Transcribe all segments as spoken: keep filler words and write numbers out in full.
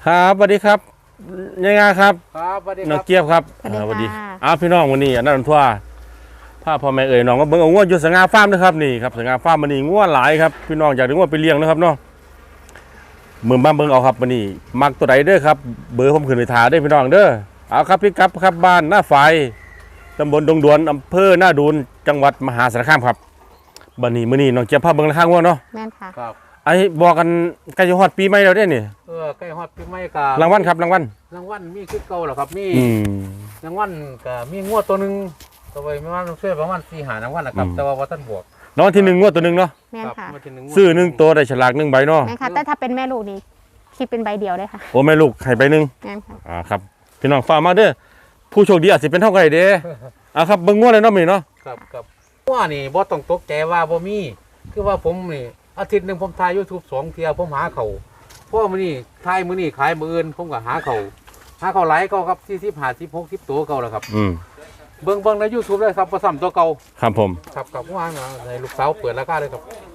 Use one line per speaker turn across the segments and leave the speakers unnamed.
ครับสวัสดีครับยังไงครับ
ครับสวัสดีค
น้อ
รั
ง
บ
เกียบครับ
สวัสดี
อ่าสวัสดี
ค่ะ
อ้าวพี่น้องวันนี้อันนั้นทั่วพาพ่อแม่เอ๋ยน้องก็เบิ่งเอางัวอยู่สง่าฟาร์มนะครับนี่ครับสง่าฟาร์มมันนี่งัวหลายครับพี่น้องอยากได้งัวไปเลี้ยงนะครับเนาะมือบ้านเบิ่งเอาครับวันนี้มักตัวใดเด้อครับเบอร์ผมขึ้นไปถาได้พี่น้องเด้อเอาครับพี่ครับครับบ้านหน้าไฟตำบลดงดวนอำเภอหน้าดูนจังหวัดมหาสารคามครับบัดนี้มื้อนี้น้องเกียบพาเบิ่งราคางัวเนาะ
แม่นค่ะ
ครับ
ไอ้บอกกันใกล้จะฮอดปีใหม่แล้วเด้อนี่
เออใกล้ฮอดปีใหม่กับ
รางวัลครับรางวัล
รางวัลมีคือเก่าเหรอครับมี
อืม
รางวัลกับมีงวดตัวหนึ่งตัวไปไม่ว่าช่วยประมาณสี่หารางวัลนะครับ
อืม
แต่ว่าวัท่านบวก
รางวัลที่หนึ่งงวดตัวหนึ่งเนาะ
แม่น
ครับ
ค่ะ
งวดที่หนึ่ง
ซื้อหนึ่งตัวได้ฉลากหนึ่งใบเนาะ
แม่นค่ะ แต่ถ้าเป็นแม่ลูกนี่คิดเป็นใบเดียวเลยค่ะ
โอ้แม่ลูกให้ใบหนึ่ง
แม่นค่ะ
อ่าครับพี่น้องฝากมาเด้อผู้โชคดีอาจจะเป็นเท่าไหร่เด้อ่าครับเบิ่งงวดเลยเนาะมื้อนี้เนาะ
ครับครับว่านี่บ่ต้องตกใจว่าบ่มีคือว่าผมนี่อาทิตย์หนึ่งผมถ่าย YouTube สองเที่ยผมหาเขาเพราะว่ามื้อนี้ถ่ายมื้อนี้ขายมื้ออื่นผมก็หาเขาหาเขาหลายเก็ครับสี่สิบ ห้าสิบ หกสิบตัวเก่าแล้วครับ
อืม
เบิ่งเบิ่งใน YouTube เลยครับบ่ซ้ำตัวเก่า
ครับผม
ครับครับว่านะในลูกสาวเปิดราคาเลยครับ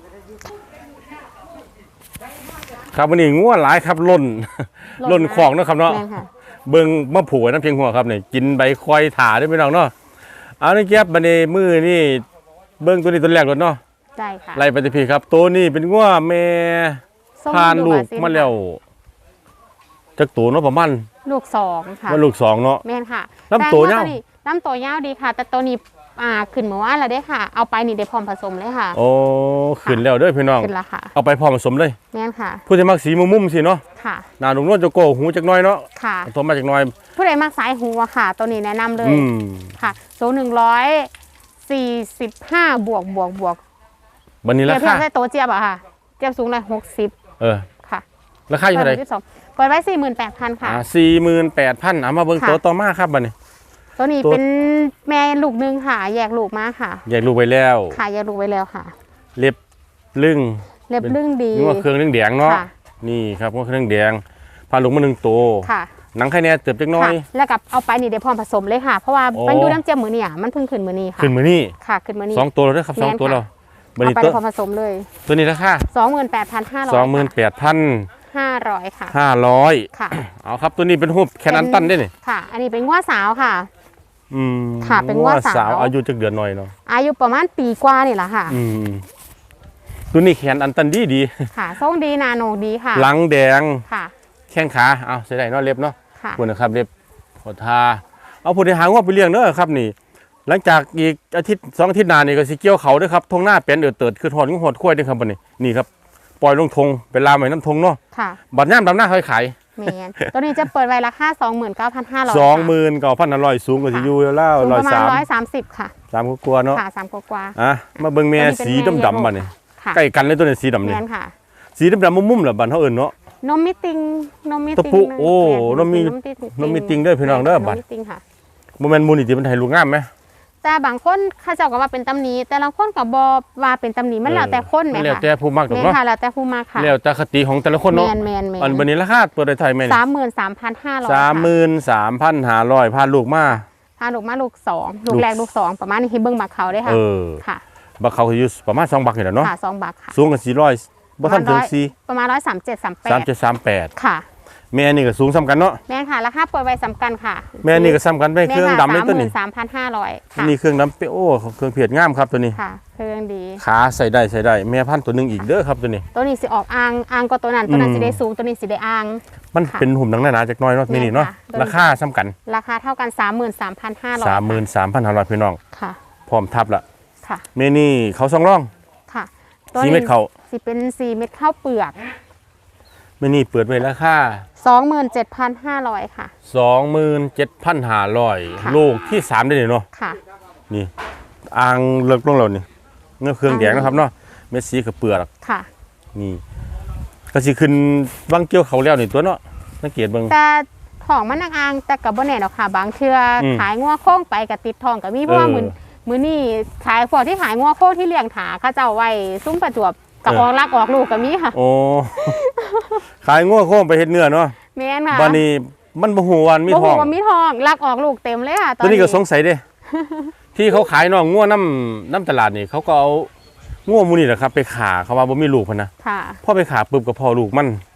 ครับวันนี้งวดหลายครับล้นล้นของเนาะครับเนาะ
แม่นค่ะ
เบิ่งมะผูกไว้น้ำเพียงหัวครับนี่กินใบควายถาได้พี่น้องเนาะเอานี่เก็บบัดนี้มื้อนี่เบิ่งตัวนี้ตัวแรกก่อนเนาะ
ได้ค่ะ
ไล่ไปที่พี่ครับตัวนี้เป็นงัวแม่
ส้ม
ผ่านลูก
บรซิ
มาแล้วจักตัวเนาะประมาณ
ลูกสองค่ะ
ว่าลูกสองเนาะ
แม่นค่ะ
ลำตัวยาว
แนี้ลำตัวยาวดีค่ะ แต่ตัวนี้อ่าขึ้นเมื่อวานแล้วได้ค่ะ เอาไปนี่ได้พร้อมผสมเลยค่ะ
โอ้ขึ้นแล้วเด้อพี่น้อง
ขึ้นแล้วค่ะ
เอาไปพร้อมผสมเลย
แม่นค่ะ
ผู้ที่มักสีมุมๆสิเนาะ
ค่ะ
หน้าลุงนวลจะโกหูจักหน้อยเนาะ
ค่ะ
ตัวมาจากหน้อย
ผู้ใดมักสายหัวค่ะ ตัวนี้แนะนำเลย
อืม
ค่ะสูงหนึ่งร้อยสี่สิบห้าบวกบวกบวก
บันนี้
เที
ราย
บเทีย
คา
บได้โตวเจี๊ยบอะค่ะ เจี๊ยบสูงเลยหกสิบ
เออ
ค่ะ
ราคาอยู่เท่าไหร่
ที่สองเปิดไว้สี่หมื่นแปดพันค่ะ
อ่าสี่หมื่นแปดพันเอามาเบิ่ง
ค่ะ
ตัวต่อมาครับบัดนี้
ตัวนี้
ตัว
เป็นแม่ลูกหนึงค่ะ แยกลูกมาค่ะ
แยกลูกไปแล้ว
ค่ะแยกลูกไว้แล้วค่ะ
เล็บลึง
เล็บลึ่งดี
งัวเครื่องเรื่องแดงเนาะ
ค่ะ
นี่ครับงัวเครื่องแดงพาลูกมาหนึ่งตัว
ค่ะ
หนังไข่แน่เติบจักหน้อย
ค่ะแล้วกับเอาไปนี่ได้พร้อมผสมเลยค่ะ เพราะว่า
โอ้
มันอยู่น้ำเจียมมือนี่อ่ะมันเพิ่งขึ้นมือนี่ค่ะ
ขึ้นมือนี่
ค่ะขึ้นมือนี่
สองตัวแล้วเด้อครับสอง
แม่น
ตัว
ค่ะ
แล้วบัด
เอา
นี้
ไป
ตัว
ได้พร้อมผสมเลย
ตัวนี้ราคา
สองหมื่นแปดพันห้าร้อย
สองหมื่นแปดพัน
ห้าร้อยค่ะ
ห้าร้อย
ค่ะ
เอาครับตัวนี้เป็นรูปแคนนันตันได้นี่
ค่ะ อันนี้เป็นง้วสาวค่ะ
อืม
ค่ะเป็นงัวสาว
อายุจักเดือนหน่อยเนาะ
อายุประมาณปีกว่านี่แหละค่ะ
อืมตัวนี้แขนอันตันดีดี
ค่ะทรงดีนาโนดีค่ะ
หลังแดง
ค่ะ
แข้งขาเอาใส่ได้เนาะเล็บเนาะ
ค่ะ
คุณนะครับเล็บขอทาเอาผู้ใดหางว่าไปเลี้ยงเด้อครับนี่ หลังจากอีกอาทิตย์สองอาทิตย์หน้านี่ก็สิเกี่ยวเขาเด้อครับทงหน้าเป็นเอือดเติดคือถอดงูหดข้วยเด้อครับบัดนี้นี่ครับปล่อยลงทงเป็นลามไว้น้ำทงเนาะ
ค่ะ
บัดย่ามดำหน้าค่อยขาย
แมนตัวนี้จะเปิดไว้ราคาสองหมื่นเก้าพันห้าร้อย
สองหมื่นเก้าพันอร่อยสูงกว่าสิอยู่แล้ว
สูง
ร้อ
ป
ย
ระมาณ
สาม
ร้อยสามสิบค่ะ
สามกลัวาๆเนาะ
ค่ะสามกว่า
อ่ะมาเบิ่งแม่
ตัวนี้เป็น
สี
แม่
ดำๆบัดนี้
ๆค่ะ
ใกล้กันเลยตัวนี้สีดำ
แม
นี่
นค่ะ
สีดำๆมุมๆเหรอบัดเฮาเอิ้นเนาะ
นมมิติงนมมิ
ตะ
ติง
ปุโอ้
แ
นมมิ นมมิติงเด้อพี่น้องเด้อบัด
นมมิติงค่ะ
บ่แม่นมูนี่ติมันให้ลูกงามไหม
แต่บางคนเขาเจ้าก็ว่าเป็นตำหนิแต่ละคนก็บ่ว่าเป็นตำหนิมันแล้วแต่คนแหม
แล้ว
ค่ะ
แต่ผู้มักดอก
แม่น
เนาะ
ค่ะแล้วแต่ผู้มาค่ะ
แล้วแต่คติของแต่ละคน
แม
เนาะ
นแมนแม
อัน
น
บัดนี้ราคาเปิดได้เท่าไหร่แม่นี่
สามหมื่นสามพันห้าร้อย
สามหมื่นสามพันห้าร้อยพาลูกมา
พาลูกมาลูกสองลูกแรกลูกสองประมาณนี้ที่เบิ่งบักเขาได้ค่ะ
เออ
ค่ะ
บักเขาอยู่ประมาณสองบักนี่แหละเนาะ
ค่ะสองบักค่ะ
สูงกันสี่ร้อยบ่ทันถึงสี่
ประมาณร้อยสามเจ็ดสามแป
สาม
ด
เจ็ดสามแปด
ค่ะ
แม่นี่ก็สูงซ้ำกันเนาะ
แม่นค่ะราคาเปิดไว้สำคัญค่ะ
แม่นี่ก็ซ้ำกันไปเครื่องดำเลย
สาม
ตัว
หมื่
นี้
นสามพันห้าร้อยค่ะ
นี่เครื่องดำเปโอ้เครื่องเพียดงามครับตัวนี้
ค่ะเครื่องดี
ขาใส่ได้ใส่ได้แม่พันธุ์ตัวหนึงอีกเด้อครับตัวนี้
ตัวนี้สิออกอ่างอ่างก็ตัวนั้นตัวนั้น
อืม
สิได้สูงตัวนี้สิได้อ่าง
มัน
ค่ะ
เป็นหุ่มหนังหนาๆจักหน้อยเนาะ
แม่น
นี่นี่เนาะ
ค่ะ
ราคาซ้ำกัน
ราคาเท่ากันสามหมื่นสามพันห้าร้อย
สามหมื่นสามพันห้าร้อยพี่น้อง
ค่ะ
พร้อมทับละ
ค่ะ
เมนี่เขาสองร่อง
ค่ะ
สี่เม็ดเขา
สิเป็นสี่เม็ดข้าวเปลือก
เมนี่เปิดไว้ราคา
สองหมื่นเจ็ดพันห้าร้อยค่ะ
สองหมื่นเจ็ดพันห้าร้อย
ค่ะ
ลูกที่สามได้เลยเนาะ
ค่ะ
นี่อ่างเลิกลงเรานี่เงื้อเครื่องแดงนะครับเนาะเม็ดสีกับเปลือก
ค่ะ
นี่ก็สิขึ้นวังเกี่ยวเขาแล้วนี่ตัวเนาะสังเกตเบิ่ง
แต่ของมันนักอ่างแต่กับบ่แน่ดอกค่ะ บางเทื่ออ
ม
ขายงัวโค้งไปกับติดทองกับมีเพราะว่า
เออ
มือมือนี่ขายพวกที่ขายงัวโค้งที่เลี้ยงถาเขาเจ้าไว้ซุ้มประจวบกับ
เอ
อ
อ
อกลักออกลูกกับมีค่ะ
โอ้ ขายงัวโค้งไปเฮ็ดเนื้อเนาะ
แม่นค่ะ
บานี้มันบ่ฮู้ว่ามี
บ่
ท
ฮู้
อง
ว่ามีทองลักออกลูกเต็มเลยค่ะตอ
ตัวน นี้ก็สงสัยเด้ ที่เขาขายน้องงัวน้ำน้ำตลาดนี่เขาก็เอางัวหมูนี่แหละครับ ไปขาเขาว่าบ่มีลูกพันนะ
ค่ะ
พอไปขาปุ๊บก็พอลูกมัน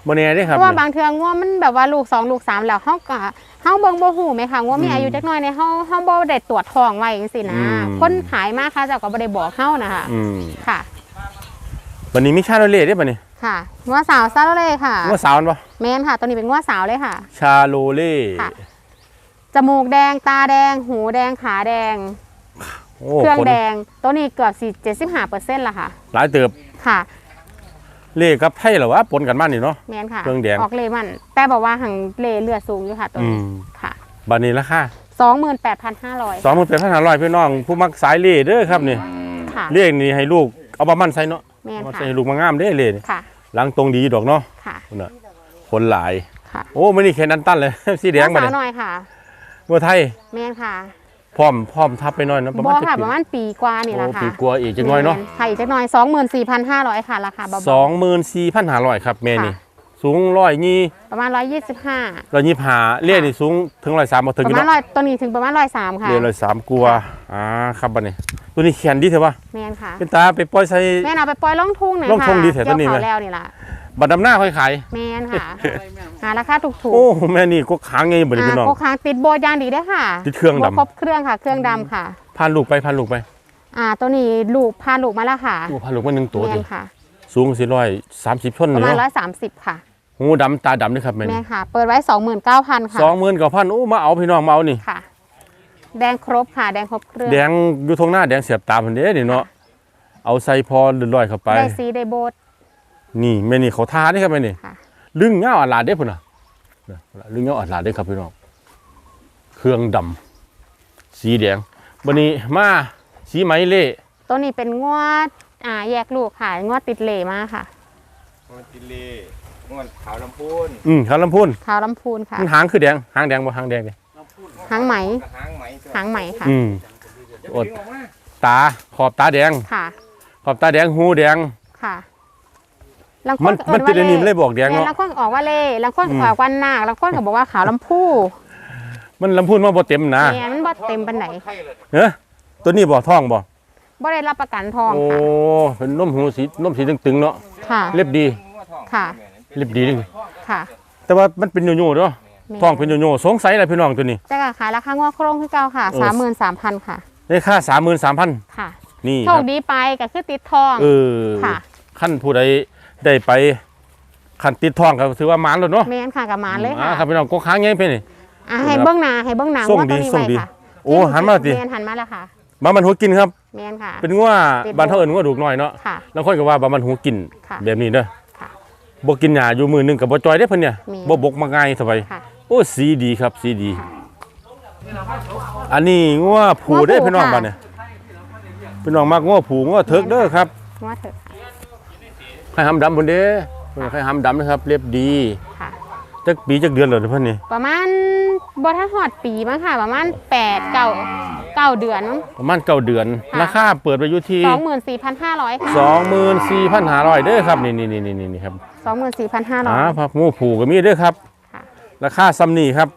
บ่แน่เด้ค
เพ
รับ
ราะว่าบางเทื่องัวมันแบบว่าลูกสองลูกสามแล้วเฮาก็เฮาเบิ่งบ่ฮู้ไหมคะงัวมีอายุจักหน่อยเนี่ยเฮาเฮาบ่ได้ตรวจท้องไว้จังซี่นะคนขายมาค่ะเจ้าก็บ่ได้บอกเฮานะคะ
อืม
ค่ะ
บัดนี้มีชาโรเล่เด้บัดนี้
ค่ะงัวสาวซาโลเล่ค่ะ
งัวสาวมันบ่
แม่นค่ะตัวนี้เป็นงัวสาวเลยค่ะ
ชาโรเล่
ค่ะ จมูกแดงตาแดงหูแดงขาแดง
โอ้
เครื่อง
คน
แดงตัวนี้เกือบสี่เจ็ดสิบห้าเปอร์เซ็นต์ละค่ะ
หลายเติบ
ค่ะ
เล่กับไทยเหรอวะปนกันมานี่เนาะ
แม่นค่ะ
เครื่องแดง
ออกเลมัน แต่บอกว่าหังเลเลือดสูงอยู่ค่ะตัว
อื
นี้
ม
ค่ะ
บัดนี้ราคา
สองหมื่นแปดพันห้าร้อย
สองหมื่นแปดพันห้าร้อยพี่น้องผู้มักสายเล่เด้อครับนี่
ค่ะ
เล่นี่ให้ลูกเอาบะมันใส่เนาะ
แม่น
เอา
ค่ะ
ใส่ให้ลูกมางามเด้เล่นี่
ค่ะ
หลังตรงดีดอกเนาะ
ค่ะ
คนน่ะคนหลาย
ค่ะ
โอ้ไม่นี่แค่นั้นตั้นเลย สีแดง
งั
มาว
สา
เนี่
วย หน่อยค่ะ
เมื่อไทย
แม่นค่ะ
พร้อมพร้อมทับไปหน่อยเนาะประ
บ
มา
อ
ณ
กค่ะ
เจ็ด
ประมาณปีกว่านี่แหละ
โอ้
ค่ะ
ปีกลัวอีกจังน้อยเนาะ
แม่ค่ะอีกจักหน่อยสองหมื่นสี่พันห้าร้อยค่ะราคาเบา
สองหมื่นสี่พันห้าร้อยครับแม่นี่
ค่ะ
สูงร้อยยี่
ๆประมาณร้อยยี่สิบห้า
ร้อยยี่ห้าเล่นี่สูงถึงร้อยสามมาถึง
ประ
กี่
มาณ
เนาะ
ร้อยตัวนี้ถึงประมาณร้อยสามค่ะ
เล่ร้อยสามกลัวอ่าครับบัดนี้ตัวนี้แขนดีเถอะวะ
แม่นค่ะ
เป็นตาไปปล่อยใส่
แม่นเอาไปปล่อยล่องทุ่งหน่อย
ล่อง
ค่ะ
ทุ่งดีแถวตัวนี้
เกี่ยว
ไหม
เขาแล้วนี่ล่ะ
บัดดำหน้าค่อยขาย
แม่นค่ะหาราคาถูก
โอ้แม่นี่ก็ค้างไงบัดนี้พี่น้อง
โกค้างติดโบยางดีได้วยค่ะ
ติดเครื่องดำ
โบครบเครื่องค่ะ เครื่องดำค่ะ
พาลูกไปพาลูกไป
อ่าตัวนี้ลูกพาลูกมาแล้วค่ะ
โอ้พาลูกมาหนึ่งตัว
แม่
ดิ
นค่ะ
สูงสี่ร้อยสามสิบชน
ป
เลย
ระมาณร้อ
เนาะ
ยสามสิบค่ะ
หูดำตาดำด้วยครับแม่
แม่
นี่
ค่ะ เปิดไว้สองหมื่นเก้าพันค่ะ
สองหมื่นกับพันโอ้มาเอาพี่น้องมาเอานี่
ค่ะ แดงครบค่ะ แดงครบเครื่อง
แดงอยู่ตรงหน้าแดงเสียบตาพันเด้นี่เนาะเอาใส่พอเลื่อยๆเข้าไป
ได้ซีได้โบด
นี่แม่นี่เขาทาได้ครับแม่นี่
ค่ะ
ลึงเงาอัดลาดเด้พุ่นน่ะเนี่ยลึงเงาอัดลาดเด้ครับพี่น้องเครื่องดำสีแดงบันนี้มาสีไหมเล่
ตัวนี้เป็นงวดอ่าแยกลูกค่ะ งวดติดเหล่มาค่ะ
งวดจิลีงวดขาวลำพูน
อืมขาวลำพูน
ขาวลำพูนค่ะ
มันหางคือแดงหางแดงบ่หางแดงเลย
หางไหม
กับหางไหมตัว
หางไหมค่ะ
อืมอดตาขอบตาแดง
ค่ะ
ขอบตาแดงหูแดง
ค่ะลังค
มัน
ก็
มัน
เอิ้
ติดอันนี้
ว่า
มันเลยบอกแดง
แม่
เนาะ
ลังคนออกว่าเล่ลังคน
อืม
ออกวันนาคลังคนก็บอกว่าขาวลำพู
มันลำพูนมาบ่เต็มนะ
แม่มันบ่เต็มปานไหน
ไข่เลย
เอ้อตัวนี้บ่ท้องบ่
บ่ได้รับประกันทอง
โอ้
ค่ะ
เป็นนมหูสีนมสีตึงๆเนาะ
ค่ะ
เล็บดี
งวดทอง
ค่ะ
เล็บดีนี่
ค่ะ
แต่ว่ามันเป็นโยๆเนาะ
แม่
ท้องเป็นโยๆสงสัยอะไรพี่น้องตัวนี้
แต่ก็ขายราคางวโครงคือเก่าค่ะ
เออ
สามหมื่นสามพันค่ะ
ได้ค่าสามหมื่นสามพัน
ค่ะ
นี่
โช
ค
ครับ ดีไปก็คือติดทอง
เออ
ค่ะ
ขั้นผู้ใดได้ไปขั้นติดท้องก็ถือว่าหมานแล้วเนาะ
แม่นค่ะกับหมานเลย
อ่า
ค่ะ
ครับพี่น้องก็ค้างไงเพิ่นนี่
อ่ะให้เบื้องหน้าให้เบื้องหน้า
ส่ง
ว่า
ดี
ตัวนี้
ส่ง
ไว้
ดี
ค่ะ
โอ้หันมาสิ
แม่นหันมาแล้วค่ะ
บามันหูกินครับ
แม่นค่ะ
เป็นงัว
ติด
บ้านเฮาเอิ้นงัวดูกน้อยเนาะ
ค่ะ
แล้วค่อยก็ว่าบามันหูกิน
ค่ะ
แบบนี้เด้อ
ค่ะ
บ่กินหญ้าอยู่มือหนึงก็บ่จอยเด้เพิ่นเนี่ย
มี
บ่บกมาง่ายสบาย
ค่ะ
โอ้สีดีครับสีดี อันนี้งัวผูเด้อพี่น้องบ้านเนี่ยพี่น้องมักงัวผูงัวเถิกเด้อครับ
ว่าเถอะ
ไข่หำดำพุ่นเด้เพิ่นไข่หำดำนะครับเรียบดี
ค่ะ
จักปีจักเดือนแล้วเด้อเพิ่นนี่
ประมาณบ่ทันฮอดปีมั้งค่ะ ประมาณแปด เก้า เก้าเดือนมั้ง
ประมาณเก้าเดือน
ค่ะ
ราคาเปิดไปอยู่ที่
สองหมื่นสี่พันห้าร้อยค่ะ
สองหมื่นสี่พันห้าร้อยเด้อครับนี่นี่นี่นี่นี่ครับ
สองหมื่นสี่พันห้าร้อย
อ่าพับงูผูก็มีเด้อครับ
ค่ะ
ราคาซ้ำนี่ครับ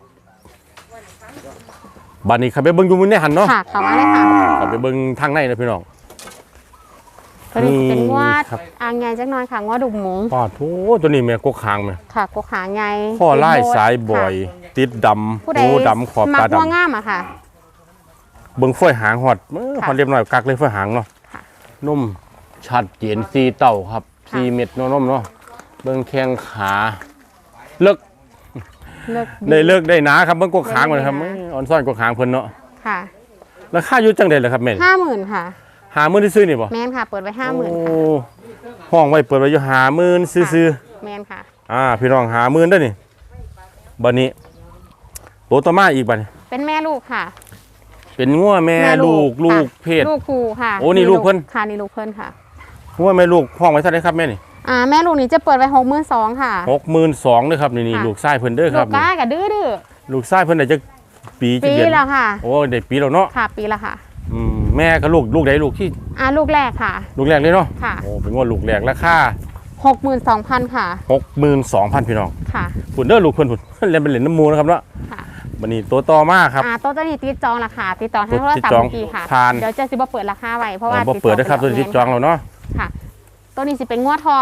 บัดนี้ขับไปเบิ่งอยู่มื้อนี้หันเนาะ
ค่ะเข้ามาเลยค่ะ
ขับไปเบิ่งทางในนะพี่น้อง
ตัวนี้เป็นงวด
ครับ
อ่างใหญ่จักหน่อยค่ะงวดดุกหมู
ปอดโถตัวนี้แม่กกคางแม่
ค่ะกกหางใหญ่
ข้อไล่
ติดโบ
สายบ่อย
ค่ะ
ติดด
ผู้
ำ
ใด
โอ้ดำขอบ
มัก
ตาด
งัวงามอะค่ะ
ำเบิ่งฝ้อยหางหอดเออ
ค่ะ
หอดเรียบร้อยกักเลยฝ้อยหางเนาะ
ค่ะ
นุ่มชัดเจนสีเต่าครับ
ค่ะ
สีเม็ดเนาะนุ่มเนาะเบิ่งแข้งขาเลิก
เลิก
ได้เลิกได้หนาครับเบิ่งกกหางมันครับ
ได้หนา
เอ้ยอ่อนซ่อนกกหางเพิ่นเนาะ
ค่ะ
ราคาอยู่จังได๋ล่ะครับแม่
ห้าหมื่นค่ะ
หาหมื่นซื้อๆนี่บ่
แมนค่ะ เปิดไว้ห้าหมื่น
โอ้ห้องไว้เปิดไว้อยู่หาหมื่นซื้อ
แมนค่ะ
ๆอ่าพี่น้องหาหมื่นเด้อนี่บัดนี้ตัวต่อมาอีกบัดนี้
เป็นแม่ลูกค่ะ
เป็นงัวแม่ลูกลูก
ค่ะ
เพศ
ลูกครูค่ะ
โอ้นี่ลูกเพิ่น
ค่ะนี่ลูกเพิ่นค่ะ
งัวแม่ลูกห้องไว้เท่าไหร่ครับแม่นี่
อ่าแม่ลูกนี่จะเปิดไว้หกหมื่นสองค่ะ
หกหมื่นสองเด้อครับนี่นี่
ค่ะ
ลูกชายเพิ่นเด้อค
ลู
รับ
ก
นี่
ก้ากับดื้อดื้อ
ลูกชายเพิ่นได้จักปีจัก
ปี
เดือน
แล้วค่ะ
โอ้ได้ปีแล้วเนาะ
ค่ะปีละค่ะ
อืมแม่กับลูกลูกใดลูกที่
อ่าลูกแรกค่ะ
ลูกแรกเลยเนาะ
ค่ะ
โอ้เป็นงัวลูกแรกราคา
หกหมื่นสองพันค่ะ
หกหมื่นสองพันพี่น้อง
ค่ะ
พุ่นเด้อลูกเพิ่นพุ่น เล่นเป็นเหรียญน้ำมูนะครับเนาะ
ค่ะ
บัดนี้ตัวต่อมาครับ
อ่าโต๊ะเจะนี่ติดจองราคาติดต่อทางโทรศัพ
ติด
ท์
จอง
เมื่อกี้ค่ะ
ผ่าน
เดี๋ยวจะสิบ่เปิดราคาไว้เพราะว่า
บ่เปิดนะครับตัว
ติ
นี้จองแล้วเนาะ
ค่ะตัวนี้สิเป็นงวดทอง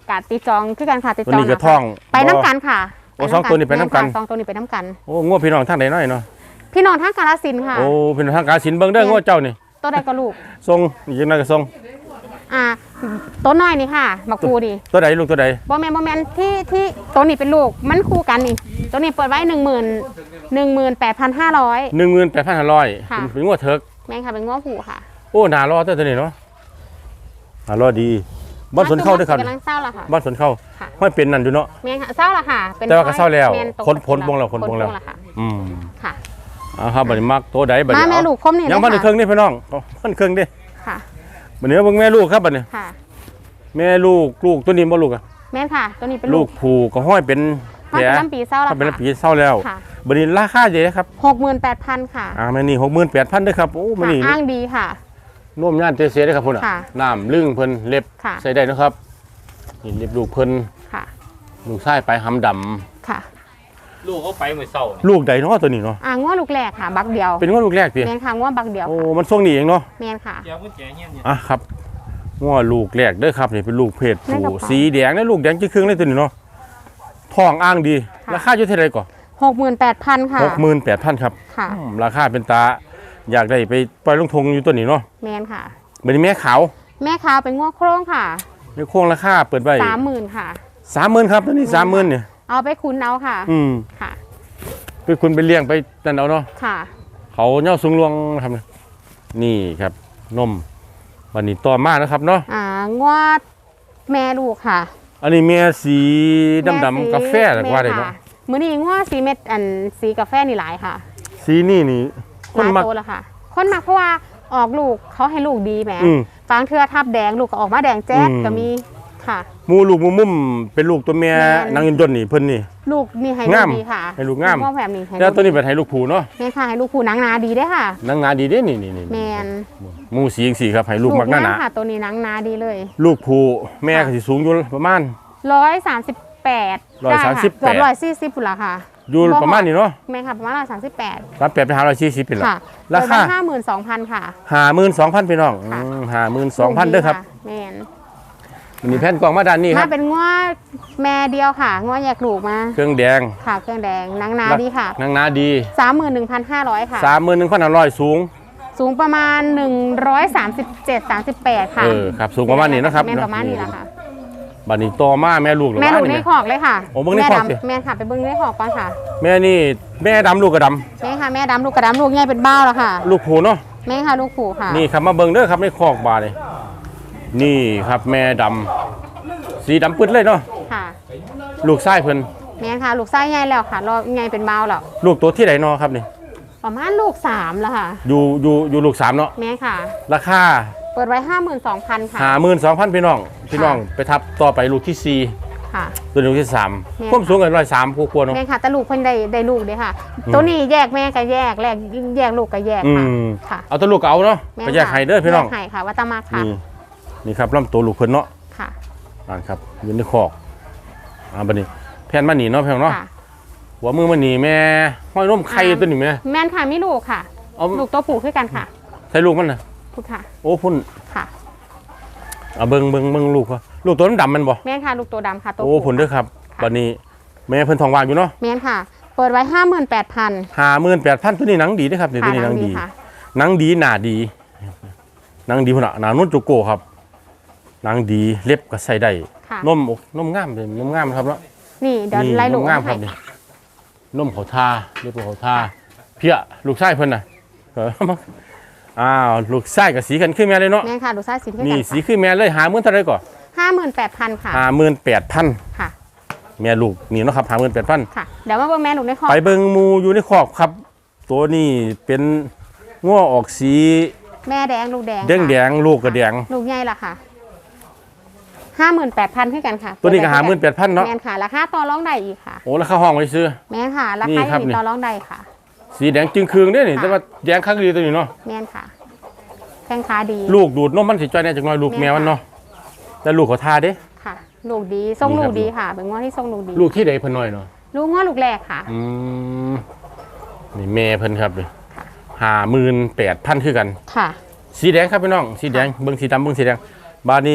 กาศติดจองคือกันค่ะติด
ตัว
จอง
นี้ก็ท้อง
ไปน้ำกันค่ะ
โอ้สองตัวนี้ไปน้ำกัน
สองตัวนี้ไปน้ำกัน
โอ้งัวพี่น้องทางใดน้อยเนาะ
พี่น้องทางกาฬสินธุ์ค่ะ
โอ้พี่น้องทางกาฬสินธุ์เบิ่งเด้องัวเจ้านี่
ตัวใดก็ลูก
ทรงอีกจังไดก็ทรง
อ่าตัวน้อยนี่ค่ะบักคูนี่
ตัวใดลูกตัวใด
บอแมนบอแมนที่ที่ตัวนี้เป็นลูกมันคู่กันนี่ตัวนี้เปิดไว้หนึ่งหมื่นหนึ่งหมื่นแปดพันห้าร้อย
หนึ่งหมื่นแปดพันห้าร้อย
ค่ะ
เป็นงัวเถิก
แม่งค่ะเป็นง้อผูค่ะ
โอ้หน้ารอเด้อตัวนี้เนาะหน้ารอดีบ้านสวนเข้าเด้อครับ
กำลังเศร้าละค่ะ
บ้านสวนเข้า
ค่ะ
ห้อยเป็นนั่นอยู่เนาะ
แม่งค่ะเศร้าละค่ะเป็น
แต่ว่าก็เศร้าแล้ว
ม่ตก
คนพ้นวงแล้วคนพ้นแล้ว
ค่ะ
อืม
ค่ะ
เอาครับบัดนี้มักตัวใดบัด
มา
นี้
แม่
เอา
ลูกคมนี่
ยังบ้าน
เล
ในเครื่องนี่พี่น้องบ้านเครื่องดิ
ค่ะ
บัดนี้เบิ่งแม่ลูกครับบัดนี้
ค่ะ
แม่ลูกลูกตัวนี้บ่ลูกอะ
แม่นค่ะ ตัวนี้เป็น
ลู
ลู
ก
ก
ผูก็ห้อยเป็นแผ
มัน
ล
เป็นลำปีเศร้าละ
ถ้าเป็น
ค่ะ
ปีเศร้าแล้ว
ค่ะ
บัดนี้ราคาเท่าไหร่ครับ
หกหมื่นแปดพันค่ะ
อ่าแม่นี่หกหมื่นแปดพันเด้อครับโอ้แม่
ค่ะ
นี่
อ้างดีค่ะ
น่วมย่านเตเสเด้อครับพุ่นน่ะ
ค่ะ
น้ำลึ่งเพิ่นเล็บ
ค่ะ
ใส่ได้นะครับนี่เล็บลูกเพิ่น
ค่ะ
ลูกชายไปหำดำ
ค่ะ
ลูกเขาไปมื้อเช้านี่
ลูกใดเนาะตัวนี้เนาะ
อ่าง้อลูกแรกค่ะ บักเดียว
เป็นง้อลูกแรกติ
แม่นค่ะง้อบักเดียว
โอ้
ค่ะ
มันทรงนี้เองเนาะ
แม่นค่ะ
เดี๋ยวกุญแจเฮียนเนี่ย
อ่ะครับง้อลูกแรกเด้อครับนี่เป็นลูกเพศ
ในกระ
ผู้
เป๋า
สีแดงและลูกแดงครึ่งๆเลยตัวนี้เนาะท้องอ้างดี
ค่ะ
ราคาอยู่เท่าไหร่ก่อน
หกหมื่นแปดพันค่ะ
หกหมื่นแปดพันครับ
ค่ะ
อืมราคาเป็นตาอยากได้ไปปล่อยลงทงอยู่ตัวนี้เนาะ
แม่นค่ะ
บัดนี้แม่ขาว
แม่ขาวเป็นง้อโครงค่ะ
ในโค้งราคาเปิดไว้
สามหมื่นค่ะ
สามหมื่นครับตัวนี้สามหมื่นเนี่ย
เอาไปคุ้นเอาค่ะ
อืม
ค่ะ
ไปคุณไปเลี้ยงไปนั่นเอาเนาะ
ค่ะ
เขาเน่าสูงลวงครับนี่ครับนมวันนี้ต่อมานะครับเนาะ
อ่างวดแม่ลูกค่ะ
อันนี้เมียสีดำ
แม่
ๆ
สี
กาแฟหรือว่าอะไรเนาะ
แม่ค่มื้อนี้งวดสีเม็ดอันสีกาแฟนี่หลายค่ะ
สีนี่นี่ค
หลาน ย
มัก
โตแล้วค่ะ คนมักเพราะว่าออกลูกเขาให้ลูกดีแหม
อืม
บางเทือทับแดงลูกก็ออกมาแดงแจ๊ด
อืม
ก็มีค่ะ
หมูลูกหมูมุ่มเป็นลูกตัวเมีย
แม่น
นางยินยนต์นี่เพิ่นนี่
ลูกนี่ให้
งา
ลูก
ม
ดีค่ะ
ให้ลูกงาม
พ่อแบบนี้ให้
แล้ว
ลูก
ตัวนี้เป็นให้ลูกผูเนาะ
แม่ค่ะให้ลูกผู้หนังนาดีได้อค่ะ
นางงาดีเด้นี่นี่นี่
แมน
หมูสีสีครับให้ลูกมักหน้าหนา
ค่ะ ตัวนี้หนังนาดีเลย
ลูกผูแม่ก็สิสูงอยู่ประมาณ
ร้อยสามสิบแปด
ร้อยสามสิบแปด
เกือบร้อยสี่สิบปุ่นละค่ะ
อยู่ประมาณนี้เนาะ
แม่ค่ะประมาณร้อยสามสิบแปด
รับแปดไปหาร้อยสี่สิบเป็นหลัก
ค่ะ
ราคา
ห้าหมื่นสองพันค่ะ
ห้าหมื่นสองพันพี่น้อง
ค่ะ
ห้าหมื่นสองพันเด้อครับ
แม่น
วันนี้แผ่นกล่องมาด้านนี้ค
มา
รับ
เป็นง้อแม่เดียวค่ะง้อแยกลูกมา
เครื่องแดง
ค่ะเครื่องแดงหนังนาดีค่ะ
นางนาดี
สามหมื่นหนึ่งพันห้าร้อยค่ะ
สามหมื่นหนึ่งพันห้าร้อยสูง
สูงประมาณหนึ่งร้อยสามสิบเจ็ดสามสิบแปดค่ะ
เออครับสูงประมาณนี้นะครับ
แม่ประมาณนี้แหละค่ะ
บัดนี้ต่อมาแม่ลูกหรือ
แม่
ว่า
ลูกใน
นี่
ขอกเลยค่ะ
โอ้เบิ่งในขอกสิ
แม่ดำแม่ค่ะไปเบิ้งในขอกก่อนค่ะ
แม่นี่แม่ดำลูกกระด
แม่ค่ะแม่ดำลูกกระดำลูกใหญ่เป็นเบ้าแล้วค่ะ
ำลูกผูเนาะ
แม่ค่ะลูกผูค่ะ
นี่ครับมาเบิ่งเด้อครับในคอกบาเลยนี่ครับแม่ดำสีดำปึ๊ดเลยเนาะ
ค่ะ
ลูกไส้เพิ่น
แม่ค่ะลูกไส้ใหญ่แล้วค่ะรอใหญ่เป็นเบ้าแล้ว
ลูกตัวที่ไหนเนาะครับนี่
ประมาณลูกสามแล้วค่ะ
อยู่อยู่อยู่ลูกสามเนาะ
แม่ค่ะ
ราคา
เปิดไว้ห้าหมื่นสองพันค่ะ
ห้าหมื่นสองพันพี่น้องพี่น้องไปทับต่อไปลูกที่สี่
ค่ะ
ตัวนี้ลูกที่สาม
แม่
ความสูงกันร้อยสามคู่ควรเนาะ
แม่ค่ะแต่ลูกเพิ่นได้ได้ลูกเด้อค่ะ
อืม
ตัวนี้แยกแม่ก็แยกแยกแยกลูกก็แยก
อื
ค่ะ
ม
ค่ะ
เอาตัวลูกก็เอาเนาะ
แม่
ไปแยกไห้เด้อพี่น้อง
แยกไห้ค่ะวัตตมาค่ะ
นี่นี่ครับลำตัวลูกเพิ่นเนาะ
ค่ะ
อ่านครับอยู่ในคอกอ่าบัดนี้แผ่นมันหนีเนาะแพงเนาะ
ค่ะ
หัวมือมันหนีแม่ห้อยนมไข่ตัวนี้แม่
แม่นค่ะมีลูกค่ะ
เอา
ลูกตัวผู้คือกันค่ะ
ใส่ลูกมันน่ะ
พูดค่ะ
โอ้พุ่น
ค่ะ
เอาเบิ่งเบิ่งเบิ่งลูกเขาลูกตัวดำๆมันบ่
แม่นค่ะลูกตัวดำค่ะตัว
โอ้พุ่นเด้อครับ
ค่ะ
บัดนี้แม่เพิ่นทองว่างอยู่เนาะ
แม่นค่ะ เปิดไว้ห้าหมื่นแปดพัน
ห้าหมื่นแปดพันตัวนี้หนังดีเด้อครับนี่ตัวนี้หนังดี
ค่ะ
หนังดีหนาดีหนังดีพุ่นน่ะหนานุ่นจุโกครับหนังดีเล็บก็ใส่ได้
ค่ะ
นมอกนมงามเลยนมงามครับเนาะ
นี่เดี๋ยว
นี่
ไล่ลู
น
ก
มงามค
ให้
รับนี่นมเขาทาเรียบเขาทาเพี้ยลูกชายเพิ่นน่ะเอออ้าวลูกชายกับสีกันขึ้นแม่เลยเนาะ
แม่นค่ะลูกไส้สีคือ
นี่
กัน
สีขึ้นแม่เลยหาหมื่นเท่าไหรก่อน
ห้าหมื่นแปดพันค่ะ
หาหมื่นแปดพัน
ค่ะ
แม่ลูกนี่เนาะครับหาหมื่นแปดพัน
ค่ะ เดี๋ยวมาเบิ่งแม่ลูกในคอก
ไปเบิ่งหมูอยู่ในคอกครับ ตัวนี้เป็นง้อออกสี
แม่แดงลูกแดง
แดงแดงๆลูกกระแดง
ลูกใหญ่ละค่ะห้าหมื่นแปดพันคือกันค่ะ
ตัวนี้ก็หาหมื่นแปดพันเนาะ
แม่นค่ะราคาต่อรองได้อีกค่ะ
โอ้แล้วเข้าห้องไว้ซื้อ
แม่นค่ะรา
นี่
คา
ครับ
อยู่
นี่
ต่อรองได้ค่ะ
สีแดงจึงคืองเด้อนี่
ค่ะ
แต่ว่าแดงคักดีตัวนี้เนาะ
แม่นค่ะแข้งขาดี
ลูกดูดนมมันสิจ้อยแน่จังน้อยลูก
แม่
แมวมันเนาะแต่ลูกเขาทาเด้
ค่ะ ลูกดีทรง
นี่
ลู
ครั
ก
บ
ดีค่ะ เป็นง้อที่ทรงลูกดี
ลูกที่ใดเพิ่นน้อยเนาะ
ลูกง้อลูกแรกค่ะ
อืมนี่แม่เพิ่นครับเลยหาหมื่นแปดพันคือกัน
ค่ะ
สีแดงครับพี่น้องสีแดงเบิ่งสีดำเบิ่งสีแดงบาดนี้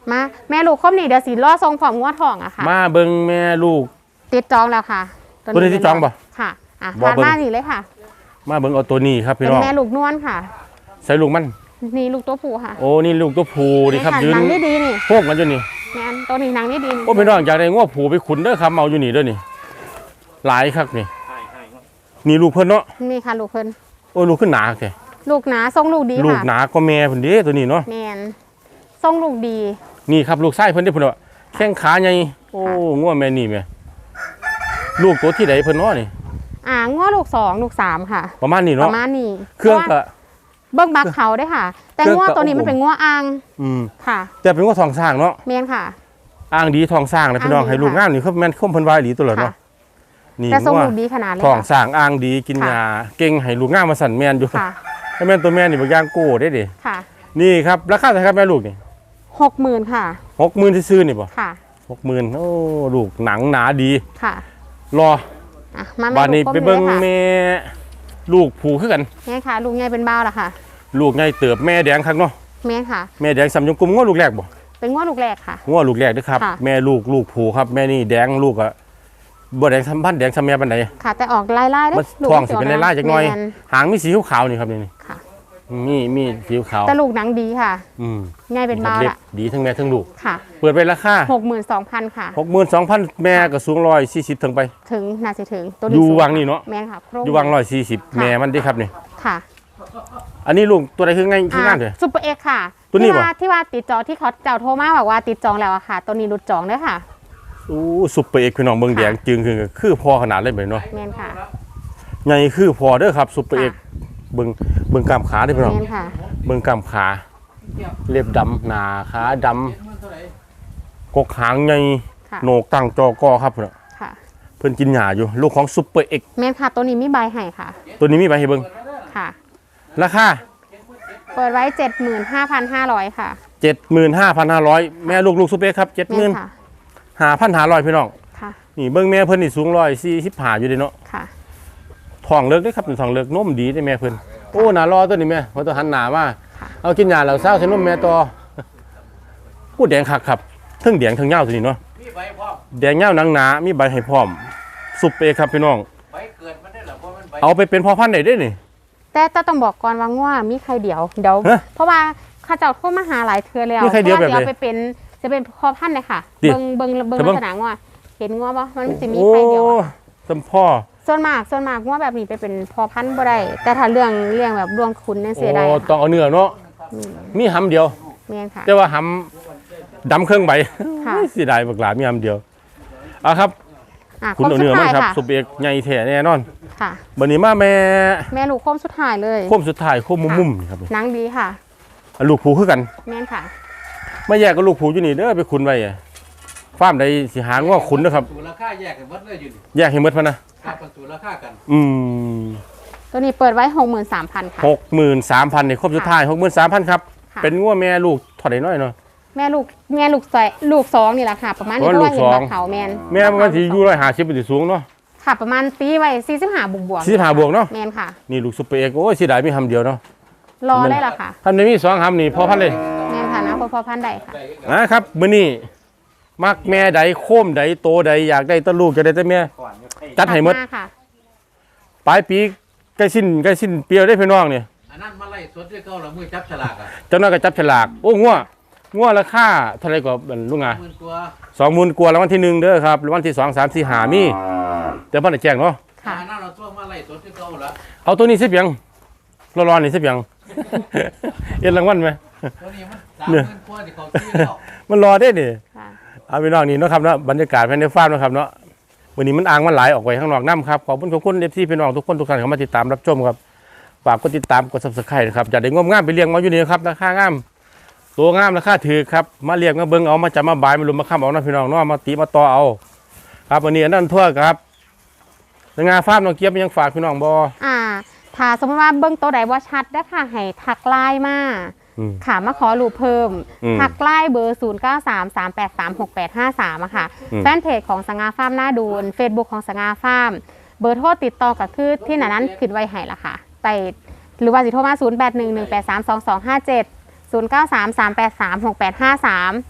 มาแม่ลูกครบนี่เดี๋ยวสีล่อทรงผอมงัวทองอะค่ะ
มาเบิ่งแม่ลูก
ติดจองแล้วค่ะ
ตัวนี้ที่จองบ่
ค่ะอ่ะ
บ่
ผ่าน
เบิ่ง
มานี่เลยค่ะ
มาเบิ่งเอาตัวนี้ครับพี่
เป็น
น้อง
แม่ลูกนวลค่ะ
ใส่ลูกมัน
นี่ลูกตัวผู้ค่ะ
โอ้นี่ลูกตัวผู้นี่ครับ
ค่ะ
ยืน
หนังนี่ดีนี่
โพกกันอยู่นี่
แม่นตัวนี้หนังนี่ดี
โอ้พี่น้องอยากได้ง้อผูไปขุนเด้อครับเอาอยู่นี่เด้อนี่หลายครับนี่นี่ลูกเพิ่นเนาะ
นี่ค่ะลูกเพิ่น
โอ้ลูกขึ้นหนาแก
ลูกหนาทรงลูกดี
ลูก
ค่ะ
หนาก็แม่เพิ่นเด้ตัวนี้เนาะ
แม่นทรงลูกดี
นี่ครับลูกไส้เพิ่นเด้อเพิ่นว่าแข้งขาใหญ่โอ้ง้อแม่นี่แม่ลูกตัวที่ใดเพิ่นเนาะนี่
อ่าง้อลูกสองลูกสามค่ะ
ประมาณนี้
ป
เนาะ
ระมาณนี้
เครื่องก็
เบิ้งบักเขาได้อค่ะ แต่
เครื่อง
ง้อ
ก็
ตัวนี้มันเป็นง้ออ่าง
อืม
ค่ะ
แต่เป็นง้อทองสร้างเนาะ
แม่นค่ะ
อ้างดีทองสร้างนะพี่น้อง
อ้างดี
ให้ลูก
ค่ะ
งามนี่เขาแม่นคมเพิ่นว่าอีหลีตัวละ
ค่ะ
เนาะนี่
แต่ทรง
ง้อ
ลูกดีขนาดเลย
ทอง
ค่ะ
สร้างอ้างดีกิน
ค่ะ
ยาเก่งให้ลูกงามมาสั่นแม่นอยู่
ค่ะ
ให้แม่นตัวแม่นี่บ่ย่างโก้ได้เด้
ค่ะ
นี่ครับราคาเท่าไหร่ครับแม่ลูกนี่
หกหมื่นค่ะ
หกหมื่นซื้อๆนี่บ่
ค่ะ
หกหมื่นโอ้ลูกหนังหนาดี
ค่ะ
รอ
อ่ะมา
บาดนี้
ลูก
ไป
ก้ม
เบิ่ง
ลยค่ะ
แม่ลูกผูคือกัน
แม่ค่ะ ลูกใหญ่เป็นบ้าวละค่ะ
ลูกไงเติบแม่แดงคักเนาะ
แม่ค่ะ
แม่แดงสำยงกุมง้อลูกแรกบ่
เป็นง้อลูกแรกค่ะ
ง้อลูกแรกเด้อครับ
ค่ะ
แม่ลูกลูกผูครับแม่นี่แดงลูกอะบ่แดงสัมพันธ์แดงสำแม่ปานใด
ค่ะ แต่ออกลายลายได้
มันท้องสิเป็นลายๆจักหน่อย
แม่
หางมีสีขาวๆนี่ครับนี่
ค่ะ
มีมีสีขาว
แต่ลูกหนังดีค่ะ
อืม
ใหญ่เป็นบ้าว
เล็บ
ละ
ดีทั้งแม่ทั้งลูก
ค่ะ
เปิดไปราคา
หกหมื่นสองพันค่ะ
หกหมื่นสองพันแม่ก็สูงหนึ่งร้อยสี่สิบถึงไป
ถึงน่าจะถึงตัว
อยู่
สู
วังนี่เนาะ
แม่นค่ะโครง
อยู่วังหนึ่งร้อยสี่สิบ
ค่ะ
แม่มันเด้ครับนี่
ค่ะ
อันนี้ลูกตัวใดคือไงคืองามเด้อ
ซุปเปอร์เอ็กซ์ค่ะ
ตัวนี้
ที่
บ่
ว่าที่ว่าติดจองที่เขาเจ้าโทรมาบอกว่าติดจองแล้วอะค่ะ ตัวนี้รุดจองเด้อค่ะ
อู้ซุปเปอร์เอกพี่น้องเบิ่งแดงจึงคือคือพอขนาดเลยเนาะ
แม่นค่ะ
ใหญ่คือพอเด้อครับซุปเปอร์เอกเบิ่งเบิ่งกล้ามขาเด้อพี่น้อง
แม่นค่ะ
เบิ่งกล้ามขาเล็บดำหน้าขาดำกกหางใหญ่
ค่ะ
โหนกตั้งจอกอครับเพิ่นน่ะ
ค่ะ
เพิ่นกินหญ้าอยู่ลูกของซุปเปอร์เอก
แม่นค่ะ ตัวนี้มีใบให้ค่ะ
ตัวนี้มีใบให้เบิ่ง
ค่ะ
ราคา
เปิดไว้ เจ็ดหมื่นห้าพันห้าร้อย ค่ะ
เจ็ดหมื่นห้าพันห้าร้อยแม่ลูกลูกซุปเปอร์เอกครับเจ็ดห
แม่
มื่
น
น
ค่ะ
ห้าพันห้าร้อยพี่น้อง
ค่ะ
นี่เบิ่งแม่เพิ่นนี่สูงร้อยสี่สิบห้าอยู่เด้เนาะ
ค่ะ
ท้องเลิกเด้อครับท้องเลิกนมดีเด้แม่เพิ่นโอ้หน้ารอตัวนี้แม่เพราะตัวหันหน้ามา
ค่ะ
เอากินยาแล้วเศร้าใส่นมแม่ต่อพูดแดงคักครับเทั้งแดงเทั้งเหย้าตัวนี้เนาะ
มีใบพร้อม
แดงเหย้าหนังหนามีใบให้พร้อมซุปเปอร์เอกครับพี่น้อง
ใบเกิดมันได้เหรอเพราะมันใบ
เอาไปเป็นพ่อพันธุ์ได้เด้นี่
แต่แต่ต้องบอกก่อนว่าง่วมีใครเดียวเดี๋ยว
ฮะ
เพราะว่าข้าเจ้าโทรมาหาหลายเทื่อแล้ว
มีใครเดียวแบบไหน
พราะาสิอาไปเป็นจะเป็นพ่อพันธุ์เลยค่ะ
ดิ
เบิ่งเบิ่งเบิ่ง
แต่เบิ่
ลั
ง
กษณะง่วเห็นง่วปะมันจะมี
โอ้
ใครเดียวอะ
สมพ่อ
ส่วนมากส่วนมากง่วแบบนี้ไปเป็นพ่อพันธุ์บ่ได้แต่ถ้าเรื่องเรื่องแบบดวงคุณเนี่ย
โอ้
เสียดาย
ต้องเอาเนื้อเนาะมีหำเดียว
แม่นค่ะ
แต่ว่าหำดำเครื่องใบ
ค่ะ
เสียดายบักหลามีหำเดียวเอาครับ
อ่ะ
คุณ
คม
เอา
สุ
เนื้
ด
อมา
ท้าย
ครับ
ค่ะ
ซุปเปอร์เอกใหญ่แท้แน่นอน
ค่ะ
บัดนี้มาแม่
แม่ลูกโคมสุดท้ายเลย
โค้มสุดท้ายโค้มมุมๆนี่ครับ
หนังดีค่ะ
อ่ะลูกผูคือกัน
แม่นค่ะ
มาแยกกับลูกผูอยู่นี่เด้อไปขุนไว้อะฟาร์มใดสิหาง้อขุนเด้อครับ
สูราคาแยกกันหมดเลยอยู่นี่
แยกให้หมดพะนะ
ครับมันสูราคากัน
อืม
ตัวนี้เปิดไว้หกหมื่นสามพันค่ะ
หกหมื่นสามพันนี่ครบสุดท้ายหกหมื่นสามพันครับ
ค่ะ
เป็นง้อแม่ลูกถอดได้น้อยเนาะ
แม่ลูกแม่ลูกใส่ลูกสองนี่แหละค่ะ ประมาณนี้
อ๋อ
เพราะว่า
ลู
เห็
ก
น
สอ
บาง เขาแมน
แม่มันสิอยู่ร้อยห้าสิบเป็นสิสูงเนาะ
ค่ะ ประมาณตีไว้สี่สิบห้าบวกบวก
สี่สิบห้าบวกเนาะ
แมนค่ะ
นี่ลูกซุปเปอร์เอกโอ้ยเสียดายมีหำเดียวเนาะ
รอได้ละค่ะ
ทำในมีสองหำนี่พอพันเลย
แมนค่ะนะพอพอพันใดค่ะ
นะครับมื้อนี้มักแม่ใดโค้มใดโตใดอยากได้แตะลูกจะได้แต่แม่จัดให้หมด
าค่ะ
ปลายปีใกล้สิ้นใกล้สิ้นเปรียวได้พี่น้องนี่
อันนั้นมาไล่สดด้วยเก้าละมือจับฉลากอ่ะ
เจ้าน้อยก็จับฉลากโอ้งัวงัวราคาเท่าไหร่กว่าบัดลุงอ่ะ
หมื่นตัว
สองหมื่นกว่ารางวัลที่หนึ่งเด้อครับรางวัลที่สองสามสี่ห้ามีแต่พ่อได้แจ้งเนาะ
ค่ะ
อันนั้นเราตัวมาไล่สดด้วยเก้าละ
เอาตัวนี้สิเพียงร้อนๆนี่สิเพียง เอ็นรางวัลไหม
ตัวนี้มันสามหมื่นกว่าที่เขาซื้อแล้ว
มันรอได้นี่
ค่ะ
เอาพี่น้องนี่เนาะครับเนาะบรรยากาศภายในฟาร์มเนาะครับเนาะวันนี้มันอ่างมันไหลออกไปข้างนอกน้ำครับขอบคุณขอบคุณเอฟซีพี่น้องทุกคนทุกท่านเข้ามาติดตามรับชมครับฝากกดติดตามกดซับสไครต์นะครับจะได้งมงามไปเลี้ยงมาอยู่นี่นะครับราคางามตัวงามราคาถือครับมาเลี้ยงมาเบิ่งเอามาจับมาบายมาลุมมาค้ำเอานะพี่น้องเนาะมาตีมาต่อเอา ครับวันนี้อันนั้นทั่วครับงานฟาร์มน้องเกียบยังฝากพี่น้องบอ
อ่า ถ้าสมมติว่าเบิ้งตัวใดว่าชัดได้อค่ะ ให้ทักไลน์มา
อืม
ค่ะ มาขอรูปเพิ่ม
อืม
ทักไลน์เบอร์ ศูนย์ เก้า สาม สาม แปด สาม หก แปด ห้า สาม อะค่ะ
อืม
แฟนเพจของสง่าฟาร์มหน้าดูน Facebook ของสง่าฟาร์ม เบอร์โทรติดต่อก็คือที่หนานั้นขึ้นไว้ให้ละค่ะไปหรือว่าสิโทรมา ศูนย์ แปด หนึ่ง หนึ่ง แปด สาม สอง สอง ห้า เจ็ด ศูนย์ เก้า สาม สาม แปด สาม หก แปด ห้า สาม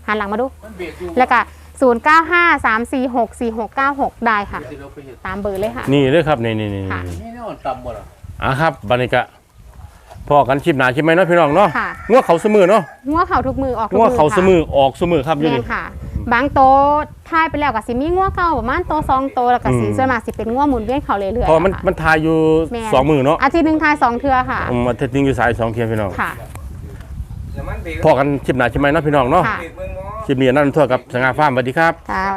หันหลังมาดู
มันเบรกอยู่
แล้วก็ศูนย์เก้าห้า สามสี่หก สี่หกเก้าหกได้ค่ะ
สิเราไปเฮ็ด
ตามเบอร์เลยค่ะ
นี่เลยครับนี่นี่นี่
ค่ะ
นี่แนวต่ำบ่ล่ะ
อ่ะครับบัดนี้ก็พอกันคลิปหน้าคลิปไหมเนาะพี่น้องเนาะ
ค่ะ
งัวเขาเสมอเนาะ
งัวเขาทุกมือออกทุก
งัว
มือ
เขาเสม
ค่ะ
อออกเสมอครับอยู่
แม่
นี่
นค่ะ บางโตทายไปแล้วก็สิมีงัวเก่าประมาณโตสองโตแล้วก็สิ
อืม
ส่วนมากสิเป็นงัวหมุนเวียนเขาเรื่อยๆ
เพอมัน
ค่ะ
มันทายอยู่
แม่น
สองมือเนาะ
อาทิตย์หนึงทายสองเทื่อค่ะ
อืมอาทิตย์หนึงอยู่สายสองเทียนพี่น้อง
ค่ะ
แล้วมันเบรก
พอกันคลิปหน้าคลิปไหมเนาะพี่น้องเนาะ
ค่ะ
เบรกเบิ่งเนาะ
คลิปนี้นั่นทั่วกับสง่าฟาร์มสวัสดีครับ
ค่ะ